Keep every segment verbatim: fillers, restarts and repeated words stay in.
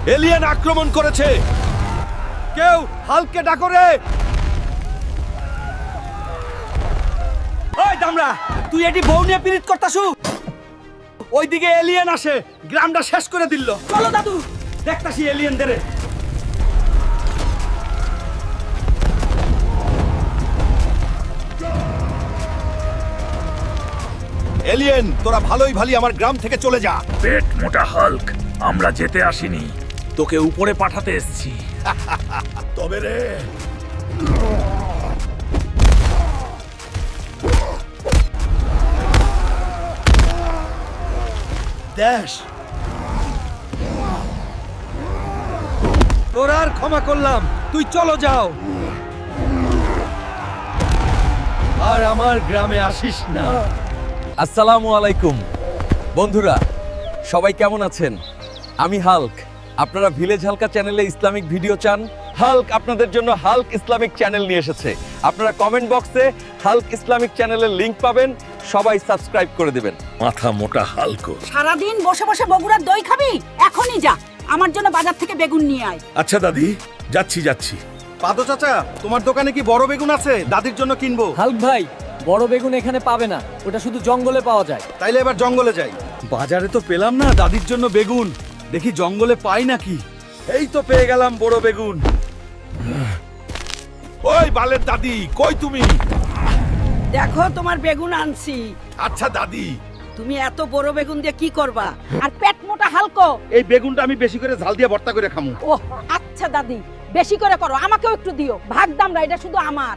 Alien আক্রমণ করেছে। কেউ হাল্ককে ডাকো রে। ওই দামড়া, তুই এটি বউ নিয়ে পিরিত করতাছু? ওইদিকে এলিয়েন আসে, গ্রামটা শেষ করে দিল। চলো দাদু, দেখতাছি এলিয়েনদের। এলিয়েন, তোরা ভালোই ভালি আমার গ্রাম থেকে চলে যা। পেট মোটা হাল্ক, আমরা যেতে আসিনি, তোকে উপরে পাঠাতে এসেছি। তবে রে, দেশ তোর আর ক্ষমা করলাম, তুই চলো যাও, আর আমার গ্রামে আসিস না। আসসালামু আলাইকুম বন্ধুরা, সবাই কেমন আছেন? আমি হাল্ক। আপনারা ভিলেজ হালকা চ্যানেলে ইসলামিক ভিডিও চান? হাল্ক আপনাদের জন্য হাল্ক ইসলামিক চ্যানেল নিয়ে এসেছে। আপনারা কমেন্ট বক্সে হাল্ক ইসলামিক চ্যানেলের লিংক পাবেন, সবাই সাবস্ক্রাইব করে দেবেন। মাথা মোটা হাল্ক। সারাদিন বসে বসে বগুড়ার দই খাবি? এখনই যা, আমার জন্য বাজার থেকে বেগুন নিয়ে আয়। আচ্ছা দাদি, যাচ্ছি যাচ্ছি। পাদো চাচা, তোমার দোকানে কি বড় বেগুন আছে? দাদির জন্য কিনবো। হাল্ক ভাই, বড় বেগুন এখানে পাবে না, ওটা শুধু জঙ্গলে পাওয়া যায়। তাইলে এবার জঙ্গলে যাই। বাজারে তো পেলাম না দাদির জন্য বেগুন, দেখি জঙ্গলে পাই নাকি। এই তো পেয়ে গেলাম বড় বেগুন। ওই বালের দাদি, কই তুমি? দেখো তোমার বেগুন আনছি। আচ্ছা দাদি। তুমি এত বড় বেগুন দিয়ে কি করবা? আর পেট মোটা হালকো। এই বেগুনটা আমি বেশি করে ঝাল দিয়ে ভর্তা করে খামু। ও আচ্ছা দাদি, বেশি করে করো, আমাকেও একটু দিও। ভাগ দামরা, এটা শুধু আমার।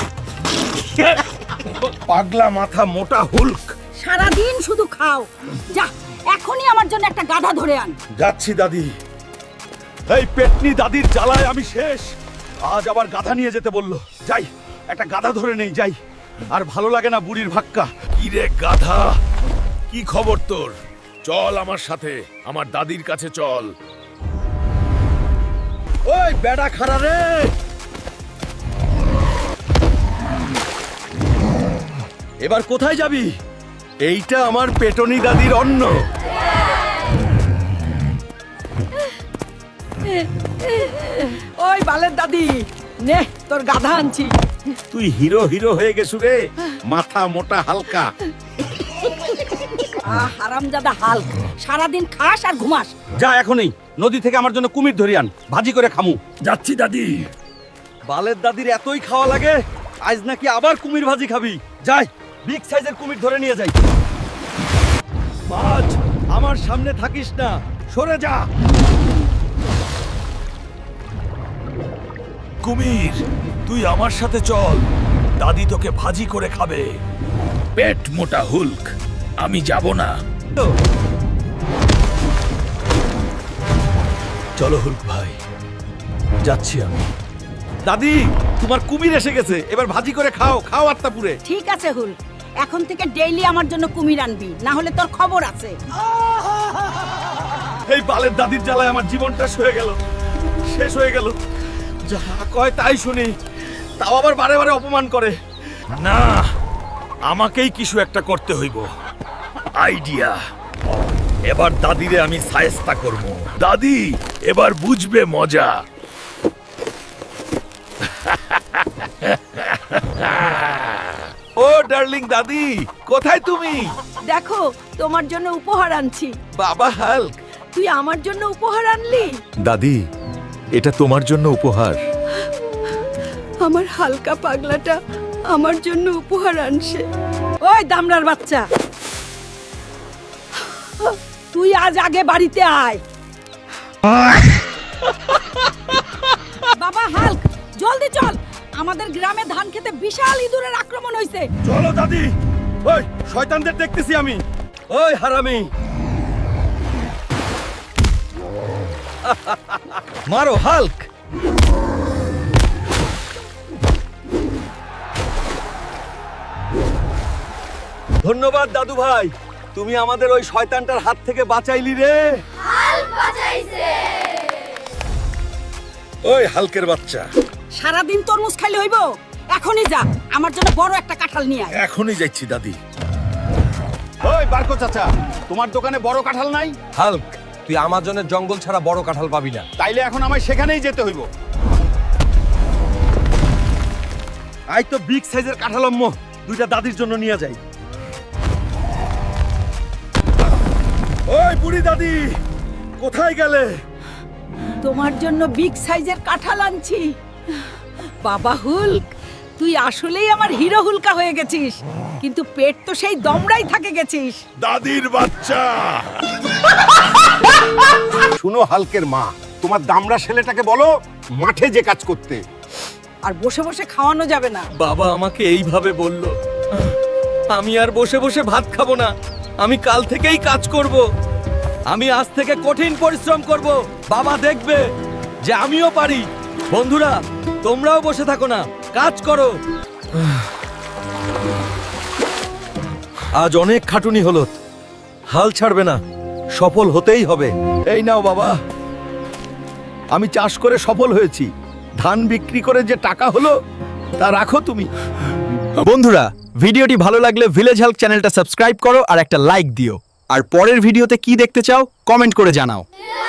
পাগলা মাথা মোটা হুল্ক। সারাদিন শুধু খাও। যা, এখনই আমার জন্য একটা গাধা ধরে আন। যাচ্ছি দাদি। এই পেটনি দাদির জ্বালায় আমি শেষ। আজ আবার গাধা নিয়ে যেতে বললো। যাই, একটা গাধা ধরে নেই, যাই। আর ভালো লাগে না বুড়ির ভাক্কা। কি রে গাধা, কি খবর তোর? চল আমার সাথে, আমার দাদির কাছে চল। ওই বেড়া খাড়া রে। এবার কোথায় যাবি? এইটা আমার পেটনি দাদির অন্ন। ওই বালের দাদি, নে তোর গাধা আনছি। তুই হিরো হিরো হয়ে গেছু রে, মাথা মোটা হালকা। আহ হারামজাদা হাল্ক, সারাদিন খাস আর ঘুমাস। যা এখনই নদী থেকে আমার জন্য কুমির ধরি আন, ভাজি করে খামু। যাচ্ছি দাদি। বালের দাদির এতই খাওয়া লাগে, আজ নাকি আবার কুমির ভাজি খাবি। যাই, বিগ সাইজের কুমির ধরে নিয়ে যাই। মাছ, আমার সামনে থাকিস না, সরে যা। কুমির, তুই আমার সাথে চল, দাদি তোকে ভাজি করে খাবে। পেট মোটা হুল্ক, আমি যাব না। চলো হুল্ক ভাই, যাচ্ছি আমি। দাদি, তোমার কুমির এসে গেছে, এবার ভাজি করে খাও, খাও আত্মাপুরে। ঠিক আছে হুল, এখন থেকে ডেইলি আমার জন্য কুমির আনবি, না হলে তোর খবর আছে। এই বালের দাদির জ্বালায় আমার জীবনটা হয়ে গেল, শেষ হয়ে গেল। যা কয় তাই শুনি, তাও আবার বারে বারে অপমান করে। না, আমাকেই কিছু একটা করতে হইব। আইডিয়া। এবার দাদিরে আমি সায়স্তা করব। দাদি এবার বুঝবে মজা। ও ডার্লিং দাদি, কোথায় তুমি? দেখো, তোমার জন্য উপহার আনছি। বাবা হাল্ক। তুই আমার জন্য উপহার আনলি? দাদি, এটা তোমার জন্য উপহার। আমার হালকা পাগলাটা আমার জন্য উপহার আনছে। ওই দামড়ার বাচ্চা, তুই আজ আগে বাড়িতে আয়। বাবা হাল্ক, জলদি চল, আমাদের গ্রামে ধান খেতে বিশাল ইঁদুরের আক্রমণ হয়েছে। চলো দাদি। ওই শয়তানদের দেখতেছি আমি। ওই হারামি, মারো হাল্ক। ধন্যবাদ দাদু ভাই, তুমি আমাদের ওই শয়তানটার হাত থেকে বাঁচাইলি রে। ওই হালকের বাচ্চা, সারাদিন তরমুজ খাইলে হইব? এখনই যা, আমার জন্য বড় একটা কাঁঠাল নিয়ে আয়। এখনই যাচ্ছি দাদি। ওই বারকো চাচা, তোমার দোকানে বড় কাঁঠাল নাই? হাল্ক, তুই আমাজনের জঙ্গল ছাড়া বড় কাঁঠাল পাবি না। তাইলে এখন আমায় সেখানেই যেতে হইব। আই তো বিগ সাইজের কাঁঠালম্ম দুইটা দাদির জন্য নিয়ে যাই। ওই বুড়ি দাদি, কোথায় গেলে? তোমার জন্য বিগ সাইজের কাঁঠাল আনছি। বাবা হুলক, তুই আসলেই আমার হিরো হুলকা হয়ে গেছিস, কিন্তু পেট তো সেই দমড়াই থাকে গেছিস। দাদির বাচ্চা। শুনো হালকের মা, তোমার দামড়া ছেলেটাকে বলো মাঠে যে কাজ করতে। আর বসে বসে খাওয়ানো যাবে না। বাবা আমাকে এইভাবে বলল, আমি আর বসে বসে ভাত খাবো না, আমি কাল থেকেই কাজ করব। আমি আজ থেকে কঠিন পরিশ্রম করব, বাবা দেখবে যে আমিও পারি। বন্ধুরা, তোমরাও বসে থাকো না, কাজ করো। আজ অনেক খাটুনি হলো, হাল ছাড়বে না, সফল হতেই হবে। এই নাও বাবা, আমি চাষ করে সফল হয়েছি। ধান বিক্রি করে যে টাকা হলো তা রাখো তুমি। বন্ধুরা, ভিডিওটি ভালো লাগলে ভিলেজ হেল্প চ্যানেলটা সাবস্ক্রাইব করো আর একটা লাইক দিও। আর পরের ভিডিওতে কি দেখতে চাও কমেন্ট করে জানাও।